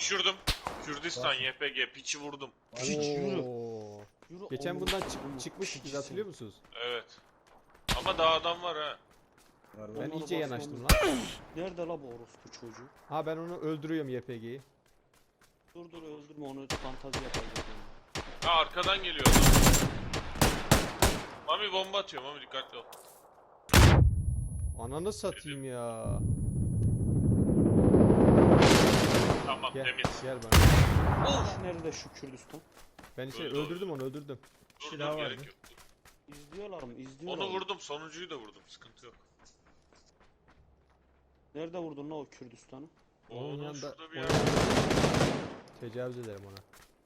Düşürdüm. Kürdistan YPG piçi vurdum. Piç yürü. Oo. Yürü Geçen oğlum, bundan oğlum, çıkmıştık biz, piçsin. hatırlıyor musunuz? Evet. Ama daha adam var ha. Ben Onları iyice basmamız- yanaştım lan. Nerede la bu orospu çocuğu? Ha, ben onu öldürüyorum YPG'yi. Dur dur öldürme onu, fantazi yapacak. Ha arkadan geliyor adam. Mami bomba atıyor, Mami dikkatli ol. Ananı satayım ya. Tamam Gel, temiz. gel bana. Of. Nerede şu Kürdistan? Ben işte Öldü, öldürdüm onu, öldürdüm. Dur daha dur vardı. gerek yok. İzliyorlar mı? İzliyorlar Onu mı? vurdum, sonuncuyu da vurdum. Sıkıntı yok. Nerede vurdun la o Kürdistan'ı? Onun Onun yanında şurada bir ona yer. tecavüz ederim ona.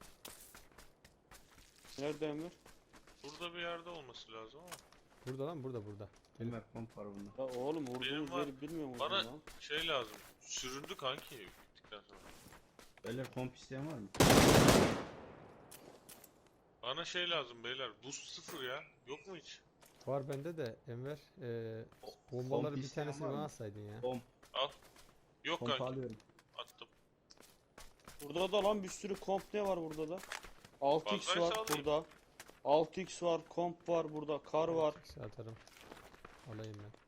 Nerede Emir? Burada bir yerde olması lazım ama. Burada lan, burada. Ömer komp var bunda. Ya oğlum vurduğumuz Benim var. yeri bilmiyor musun Bana lan? şey lazım. Süründü kanki bittikten sonra. Beyler komp isteyen var mı? Bana şey lazım beyler. Boost 0 ya. Yok mu hiç? Var bende de Enver. Bombaları bir isteyen tanesini var bana mı? atsaydın ya. Komp. Al. Yok Komp kanki. alıyorum. Attım. Burada da lan bir sürü komp ne var burada da? 6x Fazlaysa var alayım. burada. 6x var, komp var burada, kar var. Eksi atarım. Alayım ben.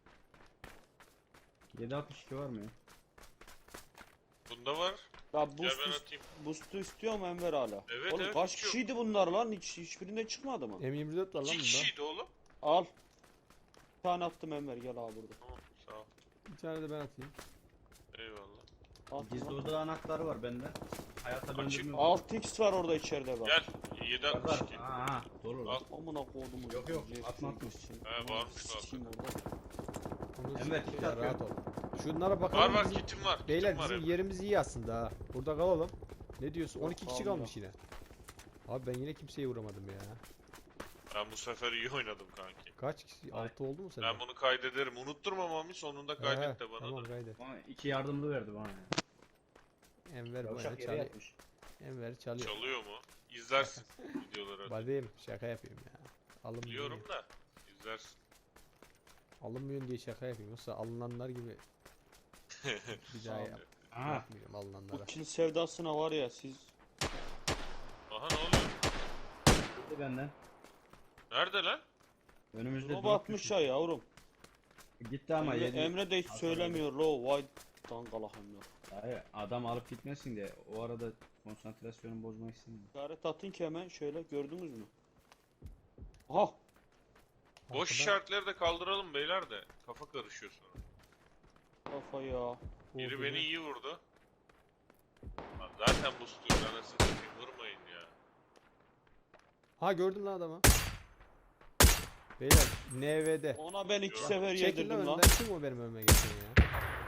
762 var mı ya? Bunda var. Ya Gel boost, ben atayım. boost'u istiyor mu Enver hala? Evet, Oğlum evet, kaç hiç yok. kişiydi bunlar lan? Hiçbirinde çıkmadı mı? M24 var lan 2 bunda. kişiydi oğlum. Al. Bir tane attım Enver, gel abi burada. Tamam sağ ol. Bir tane de ben atayım. Eyvallah. Attım, Gizli attım. oda anahtarı var bende. Hayata Açık. döndürme. 6x var orada içeride bak. Gel. Var var. 762. Aa, dolu lan. Al. Amına koydum. Yok, yok, atma, atma. He, varmış da Sikeyim orada. Bunu Enver, s- kit ya, atıyorum. rahat ol. Şunlara bakalım. Var var bizim- kitim var. Beyler Kitim var bizim hep. yerimiz iyi aslında ha. Burada kalalım. Ne diyorsun? Yok, 12 kişi kalmıyor. kalmış yine. Abi ben yine kimseye vuramadım ya. Ben bu sefer iyi oynadım kanki. Kaç kişi? Ay. 6 oldu mu sende? Ben bunu kaydederim. Unutturma Mami, sonunda kaydet de bana Tamam, da. kaydet. Bana 2 yardımlı verdi bana ya. Enver böyle Yavşak yere çalıyor. yatmış. Enver çalıyor. Çalıyor mu? İzlersin videoları. Badem şaka yapıyorum ya. Alınmıyor. Biliyorum da. İzlersin. Alınmıyorsun diye şaka yapıyorum. Yoksa alınanlar gibi bir daha Aha. yapmıyorum alınanlara. Bu kill sevdasına var ya siz. Aha ne oluyor? Gitti benden. Nerede lan? Önümüzde Drop drop atmış düştü. ya yavrum. Gitti ama Emre, yedi. Emre de hiç Hasar söylemiyor lo. Vay dangalak Emre. Hayır, adam alıp gitmesin diye o arada konsantrasyonumu bozmak istemiyorum. İşaret atın ki hemen şöyle, gördünüz mü? Aha. Boş Arkadan- işaretleri de kaldıralım beyler de. Kafa karışıyor sonra. Kafa ya. Biri Vurdu beni mu? iyi vurdu. Lan zaten bu stüdyo anasını satayım, vurmayın ya. Ha, gördüm lan adamı. Beyler NV'de. Ona ben 2 Yok. sefer Çekil lan yedirdim lan. önden. Kim o benim önüme geçen ya?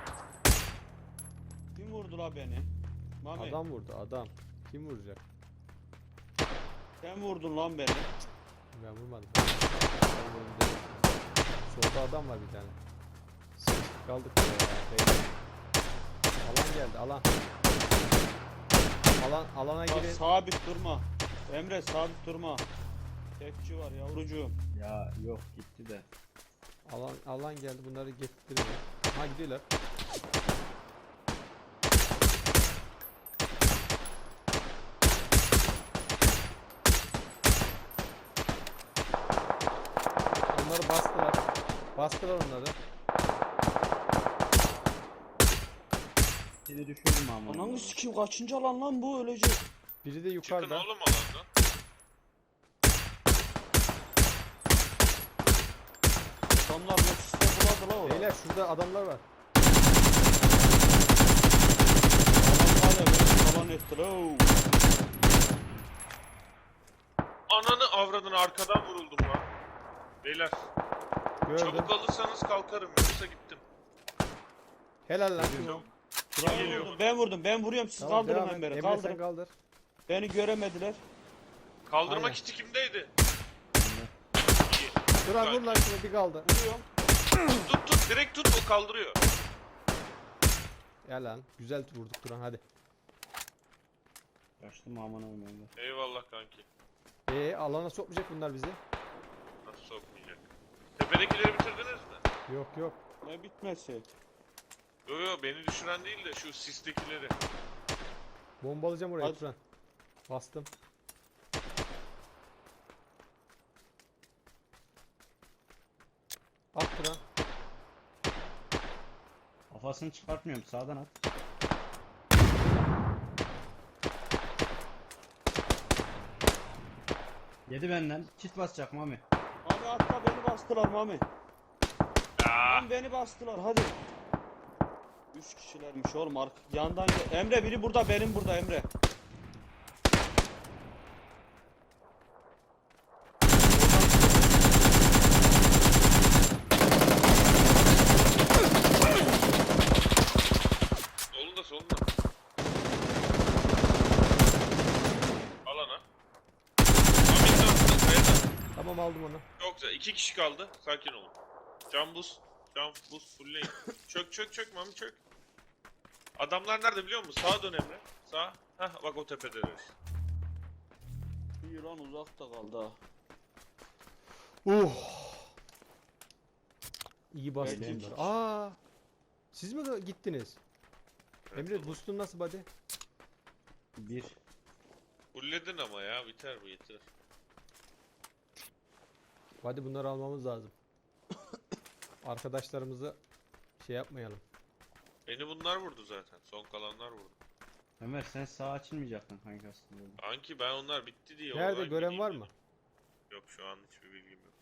Kim vurdu la beni? Mami. Adam vurdu adam. Kim vuracak? Sen vurdun lan beni. Ben vurmadım. Ben vurdum. Solda adam var bir tane. Sıkıştık kaldık ya. Beyler. Alan geldi, alan. Alana Bak, girin. sabit durma. Emre sabit durma. Tekçi var yavrucuğum. Ya yok gitti de. Alan geldi, bunları getirtiyor. Ha, gidiyorlar. Onları bastılar. Bastılar onları. Seni düşürdüm ama. Ananı sikeyim, kaçıncı alan lan bu, ölecek. Biri de Çıkın yukarıda. oğlum alandan. Adamlar Nexus'ta buladı la orada. Beyler şurada adamlar var. Adam hala beni talan etti la. Ananı avradını, arkadan vuruldum lan. Beyler Gördüm. çabuk alırsanız kalkarım, yoksa gittim. Helal lan. Çok Kim? kim geliyor bana? Ben vurdum, ben vuruyorum, siz Tamam, kaldırın devam et. Emre'yi, Emre sen kaldırın. kaldır. Beni göremediler. Kaldırma Aynen. kiti kimdeydi? Duran vur lan şunu, bir kaldı. Vuruyorum. Tut direkt tut, o kaldırıyor. Ya lan güzel vurduk Duran, hadi. Kaçtım aman aman. Eyvallah kanki. Alana sokmayacak bunlar bizi. Nasıl sokmayacak? Tepedekileri bitirdiniz mi? Yok yok. Ne bitmesi? Yo yo, beni düşüren değil de şu sistekileri. Bombalayacağım oraya Hadi. Turan. Bastım. At Turan. Kafasını çıkartmıyorum. Sağdan at. Yedi benden. Kit basacak Mami. Mami atla, beni bastılar Mami. Ya. Lan beni bastılar hadi. 3 kişilermiş oğlum yandan Emre biri burada, benim burada Emre. Solunda solunda. Alana. Ahmet ne yaptın? Kayada. Tamam aldım onu. Çok güzel. 2 kişi kaldı. Sakin olun. Can boost. Can boost fullleyin. Çök çök çök Mami çök. Adamlar nerede biliyor musun? Sağa dön Emre. Sağ. Hah bak o tepedeler. İran uzakta kaldı ha. İyi bastım Belki bunları. iki. Aa! Siz mi gittiniz? Emre Evet, boost'un nasıl buddy? 1. Fullledin ama ya biter bu yeter. Hadi bunları almamız lazım. Arkadaşlarımızı şey yapmayalım. Beni bunlar vurdu zaten. Son kalanlar vurdu. Ömer sen sağa açılmayacaktın kanka aslında. Anki ben onlar bitti diye. Nerede oradan gören gideyim var dedim. mı? Yok şu an hiçbir bilgim yok.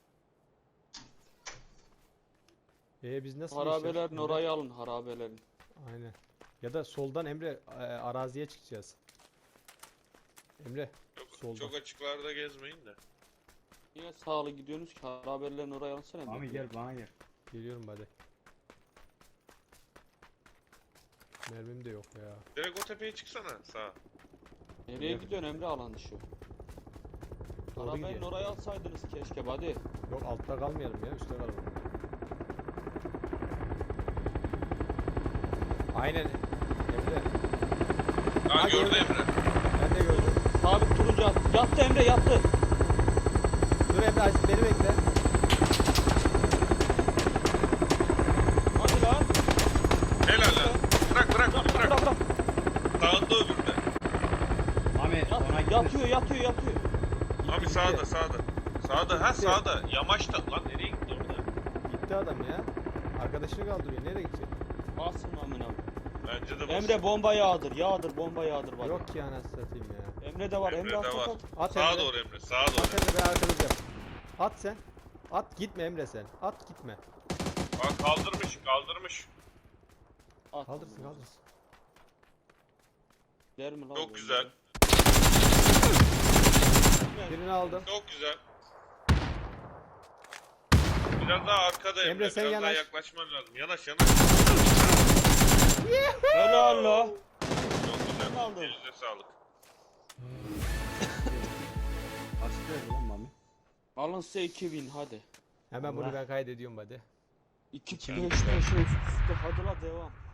Biz nasıl Harabelerin geçeceğiz? Emre? orayı alın, harabelerin. Aynen. Ya da soldan Emre araziye çıkacağız. Emre Çok, Solda. çok açıklarda gezmeyin de. Niye sağlı gidiyorsunuz ki, harabelerin orayı alsana. Emre. Mami gel bana gel. geliyorum buddy. Mermim de yok ya. Direkt o tepeye çıksana sağa. Nereye gidiyorsun Emre, alan dışı? Doğru Arabanın gidiyor. orayı alsaydınız keşke hadi. Yok altta kalmayalım ya, üstte kalalım. Aynen. Emre. Ha Ha, gördü gördüm. Emre. Ben de gördüm. Sabit turuncu attı. Yattı Emre, yattı. Dur Emre beni bekle. Hadi lan. Helal lan. Bırak bırak onu bırak. Bırak bırak. Sağında öbürü de. Mami ona gitme. Yatıyor. Abi Gitti, sağda gitti. sağda. Sağda ha Gitti. sağda. Yamaçta. Lan nereye gitti orada? Gitti adam ya. Arkadaşını kaldırıyor. Nereye gidecek? Basın amına. Bence de bas. Emre bomba yağdır bomba yağdır var. Yok ki anasını satayım ya. Emre de var. Emre, Emre'de at, var. at. At Sağa Emre. doğru Emre. Sağa doğru. At Emre, ben arkanızdayım. At sen. At gitme Emre sen. At gitme. Bak kaldırmış. At. Kaldırsın kaldırsın. Der mi lan? Çok bu güzel. Emre? Birini aldım. Çok güzel. Biraz daha arkada Emre. Emre, sen Biraz daha yanaş. yaklaşman lazım. Yanaş. Helal la. Çok güzel. Ben aldım. Elinize sağlık. Açtı lan Mami. Alın size 2000 hadi. Hemen bunu Allah. ben kaydediyorum hadi. 2 Güzel, 5 güzel. 5 üst üste hadi la devam.